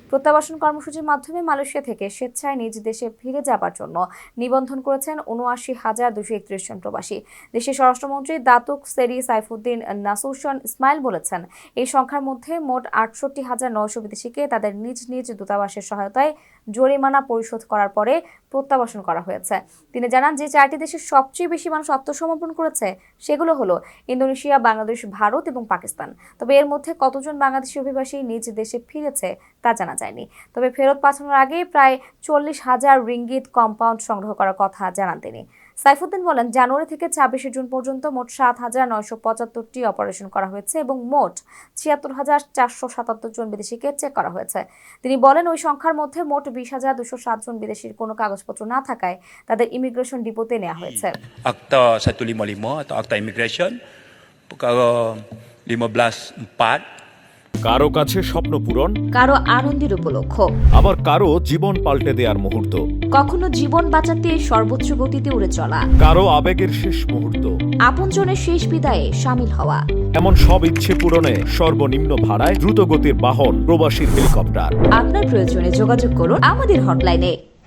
প্রত্যাবাসন কর্মসূচির মাধ্যমে মালয়েশিয়া থেকে স্বেচ্ছায় নিজ দেশে ফিরে যাবার জন্য নিবন্ধন করেছেন ৭৯,২৩১ জন প্রবাসী। দেশের স্বরাষ্ট্রমন্ত্রী দাতুক সেরি সাইফুদ্দিন নাসুশন ইসমাইল বলেছেন, এই সংখ্যার মধ্যে মোট ৬৮,৯০০ বিদেশিকে তাদের নিজ নিজ দূতাবাসের সহায়তায় জরিমানা পরিশোধ করার পরে প্রত্যাবাসন করা হয়েছে। তিনি জানান যে ৪টি দেশের সবচেয়ে বেশি মানুষ আত্মসমর্পণ করেছে সেগুলো হলো ইন্দোনেশিয়া, বাংলাদেশ, ভারত এবং পাকিস্তান। তবে এর মধ্যে কতজন বাংলাদেশি অভিবাসী নিজ দেশে ফিরেছে তা জানা যায়নি। তবে ফেরত পাঠানোর আগে প্রায় ৪০,০০০ রিঙ্গিত কম্পাউন্ড সংগ্রহ করার কথা জানান তিনি। সাইফুদ্দিন বলেন, জানুয়ারি থেকে ২৬শে জুন পর্যন্ত মোট ৭,৯৭৫টি অপারেশন করা হয়েছে এবং মোট ৭৬,৪৭৭ জন বিদেশিকে চেক করা হয়েছে। তিনি বলেন, ওই সংখ্যার মধ্যে মোট ২০,২০৭ জন বিদেশির কোনো কাগজপত্র না থাকায় তাদের ইমিগ্রেশন ডিপোতে নেওয়া হয়েছে। Akta 155 atau Akta Immigration perkara 15/4. কারো কাছে স্বপ্ন পূরণ, কারো আনন্দের উপলক্ষ, আবার কারো জীবন পাল্টে দেওয়ার মুহূর্ত, কখনো জীবন বাঁচাতে সর্বোচ্চ গতিতে উড়ে চলা, কারো আবেগের শেষ মুহূর্ত, আপনজনের শেষ বিদায়ে শামিল হওয়া। এমন সব ইচ্ছে পূরণে সর্বনিম্ন ভাড়ায় দ্রুতগতির বাহন প্রবাসীর হেলিকপ্টার। আপনার প্রয়োজনে যোগাযোগ করুন আমাদের হটলাইনে।